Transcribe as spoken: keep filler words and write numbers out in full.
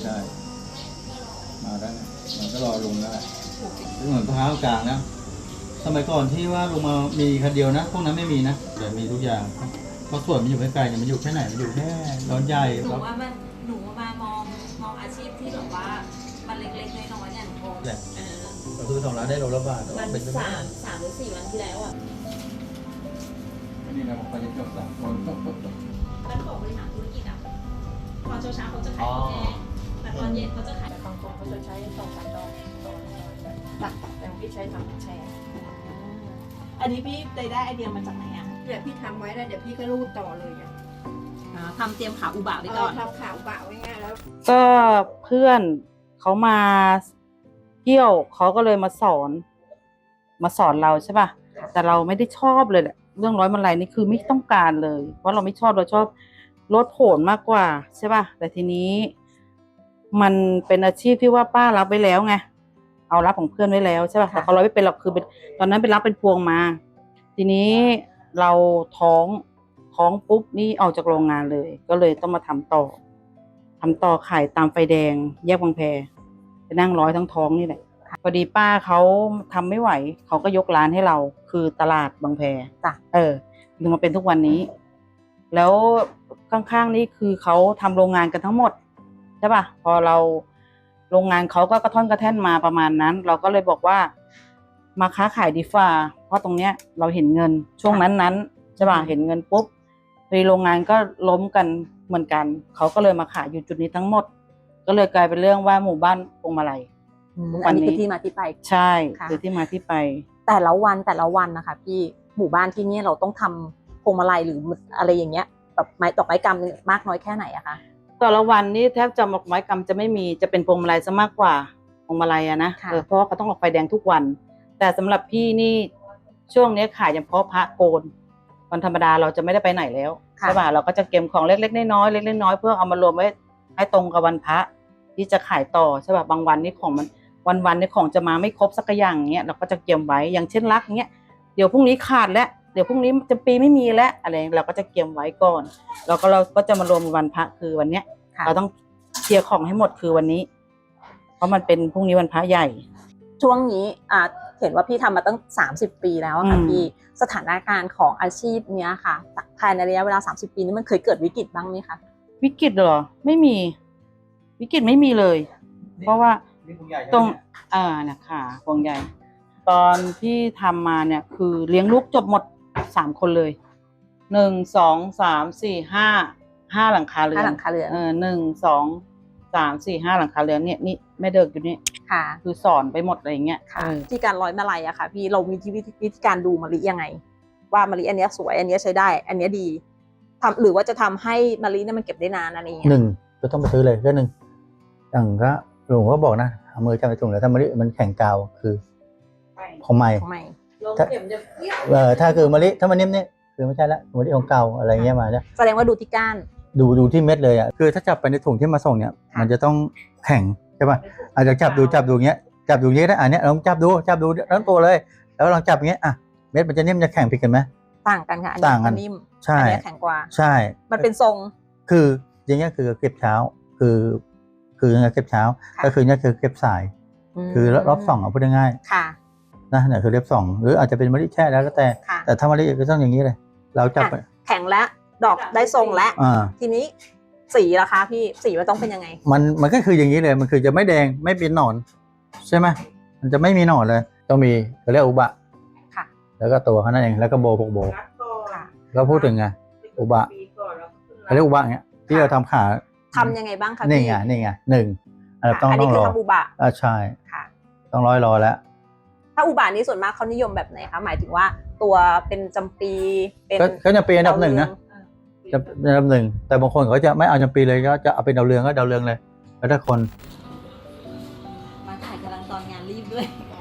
ใช่มาแล้วนะมันก็รอลุงแล้วแหละเหมือนพร้าวกลางนะสมัยก่อนที่ว่าลุงมามีคันเดียวนะพวกนั้นไม่มีนะแต่มีทุกอย่างเพราะส่วนมันอยู่ใกล้ๆเนี่ยมันอยู่แค่ไหนมันอยู่แค่ร้อนใหญ่หนูว่ามันหนูมามองมองอาชีพที่แบบว่ามันเล็กๆน้อยๆเนี่ยหนูมองเออเราซื้อสองร้านได้โลละบาทมันสามสามหรือสี่วันที่แล้วอ่ะอันนี้เราไปจบสามคนมันของบริหารธุรกิจอ่ะตอนเช้าๆเขาจะขายข้าวแกงแต่ตอนเย็นเขาจะขายแต่บางคนเขาจะใช้สองสามดอกต่อแต่แต่พี่ใช้ทำแชร์อันนี้พี่ได้ได้ไอเดียมาจากไหนอ่ะเดี๋ยวพี่ทำไว้แล้วเดี๋ยวพี่ก็รูดต่อเลยอ่ะทำเตรียมขาอุบะไว้ก่อนทำข่าวบ่าวไว้ง่ายแล้วก็เพื่อนเขามาเที่ยวเขาก็เลยมาสอน มาสอนเราใช่ป่ะแต่เราไม่ได้ชอบเลยแหละเรื่องร้อยมาลัยนี่คือไม่ต้องการเลย เพราะเราไม่ชอบเราชอบรถโหนมากกว่าใช่ป่ะแต่ทีนี้ มันเป็นอาชีพที่ว่าป้ารับไว้แล้วไงเอารับของเพื่อนไว้แล้วใช่ป่ะแต่เขาเราไม่เป็นหรอกคือเป็นตอนนั้นไปรับเป็นพวงมา ทีนี้เราท้องท้องปุ๊บนี่ออกจากโรงงานเลย ก็เลยต้องมาทำต่อทำต่อขายตามไฟแดงแยกบางแพไปนั่งร้อยทั้งท้องนี่แหละพอดีป้าเขาทำไม่ไหวเขาก็ยกร้านให้เราคือตลาดบางแพจ้ะเออถึงมาเป็นทุกวันนี้ แล้วข้างๆนี่คือเขาทำโรงงานกันทั้งหมดใช่ป่ะพอเราโรงงานเขาก็กระท่อนกระแท่นมาประมาณนั้น เราก็เลยบอกว่ามาค้าขายดีฟ่าเพราะตรงเนี้ยเราเห็นเงินช่วงนั้นๆใช่ป่ะเห็นเงินปุ๊บในโรงงานก็ล้มกันเหมือนกันเขาก็เลยมาขายอยู่จุดนี้ทั้งหมดก็เลยกลายเป็นเรื่องว่าหมู่บ้านพวงมาลัยอันนี้คือที่มาที่ไปใช่คือที่มาที่ไปแต่ละวันแต่ละวันนะคะพี่หมู่บ้านที่นี่เราต้องทำพวงมาลัยหรืออะไรอย่างเงี้ยแบบไม้ดอกไม้กำมากน้อยแค่ไหนอะคะแต่ละวันนี้แทบจะดอกไม้กำจะไม่มีจะเป็นพวงมาลัยซะมากกว่าพวงมาลัยอะนะเพราะว่าเขาต้องออกไฟแดงทุกวันแต่สำหรับพี่นี่ช่วงนี้ขายเฉพาะพระโกนวันธรรมดาเราจะไม่ได้ไปไหนแล้วใช่ป่ะเราก็จะเก็บของเล็กๆน้อยๆเล็กๆน้อยๆเพื่อเอามารวมไว้ให้ตรงกับวันพระที่จะขายต่อใช่ป่ะบางวันนี่ของมันวันๆนี่ของจะมาไม่ครบสักอย่างเงี้ยเราก็จะเก็บไว้อย่างเช่นรักเงี้ยเดี๋ยวพรุ่งนี้ขาดแล้วเดี๋ยวพรุ่งนี้จะปีไม่มีแล้วอะไรเราก็จะเก็บไว้ก่อนแล้วก็เราก็จะมารวมวันพระคือวันเนี้ยเราต้องเคลียร์ของให้หมดคือวันนี้เพราะมันเป็นพรุ่งนี้วันพระใหญ่ช่วงนี้อ่าเห็นว่าพี่ทำมาตั้งสามสิบปีแล้วค่ะพี่สถานการณ์ของอาชีพเนี้ยค่ะภายในระยะเวลาสามสิบปีนี้มันเคยเกิดวิกฤตบ้างไหมคะวิกฤตเหรอไม่มีวิกฤตไม่มีเลยเพราะว่าตรงอ่านะคะพวงใหญ่ตอนที่ทำมาเนี่ยคือเลี้ยงลูกจบหมดสามคนเลยหนึ่งสองสามสี่ห้าห้าหลังคาเรือนห้าหลังคาเรือนเออหนึ่งสองสามสี่ห้าหลังคาเรือนเนี่ยนี่แม่เด็กอยู่นี่ค่ะคือสอนไปหมดอะไรอย่างเงี้ยค่ะที่การร้อยมาลัยอะค่ะพี่เรามีวิธีการดูมะลิยังไงว่ามะลิอันนี้สวยอันนี้ใช้ได้อันนี้ดีทำหรือว่าจะทำให้มะลิเนี่ยมันเก็บได้นานอะไรอย่างเงี้ยหนึ่งจะต้องไปซื้อเลยก็หนึ่งอย่างก็ลุงก็บอกนะเอามือจับไปตรงแล้วถ้ามะลิมันแข็งกาวคือของใหม่ถ้าเออถ้าคือมะลิถ้ามันนิ่มเนี่ยคือไม่ใช่ละมะลิของเก่าอะไรเงี้ยมาเนี่ยแสดงว่าดูที่ก้านดูดูที่เม็ดเลยอ่ะคือถ้าจับไปในถุงที่มาส่งเนี่ยมันจะต้องแข็งใช่ป่ะอาจจะจับดูจับดูเงี้ยจับดูเงี้ยนะอันเนี้ยลองจับดูจับดูทั้งตัวเลยแล้วลองจับเงี้ยอ่ะเม็ดมันจะนิ่มจะแข็งผิดกันไหมต่างกันค่ะอันนี้มันนิ่มอันนี้แข็งกว่าใช่มันเป็นทรงคืออย่างเงี้ยคือเก็บเช้าคือคือเก็บเช้าก็คือเนี่ยคือเก็บสายคือรอบสองเอาพูดง่ายๆค่ะนะเนี่ยคือเล็บสองหรืออาจจะเป็นมะลิแช่แล้วก็แต่แต่ถ้ามะลิก็ต้องอย่างนี้เลยเราจับแข็งแล้วดอกได้ทรงแล้วทีนี้สีล่ะคะพี่สีมันต้องเป็นยังไงมันมันก็คืออย่างนี้เลยมันคือจะไม่แดงไม่เป็นหนอนใช่ไหมมันจะไม่มีหนอนเลยต้องมีเขาเรียกอุบะค่ะแล้วก็ตัวเขานั่นเองแล้วก็โบพวกโบค่ะก็พูดถึงไงอุบะเขาเรียกอุบะเนี้ยที่เราทำขาทำยังไงบ้างคะนี่ไงนี่ไงหนึ่งต้องต้องรออุบะอ่าใช่ค่ะต้องร้อยรอแล้วถ้าอุบะนี้ส่วนมากเขานิยมแบบไหนคะหมายถึงว่าตัวเป็นจำปีเป็นก็จะเป็นอันดับหนึ่งนะจะอันดับหนึ่งแต่บางคนเขาจะไม่เอาจำปีเลยก็จะเอาเป็นดาวเรืองก็ดาวเรืองเลยแล้วถ้าคนมาถ่ายกำลังตอนงานรีบด้วย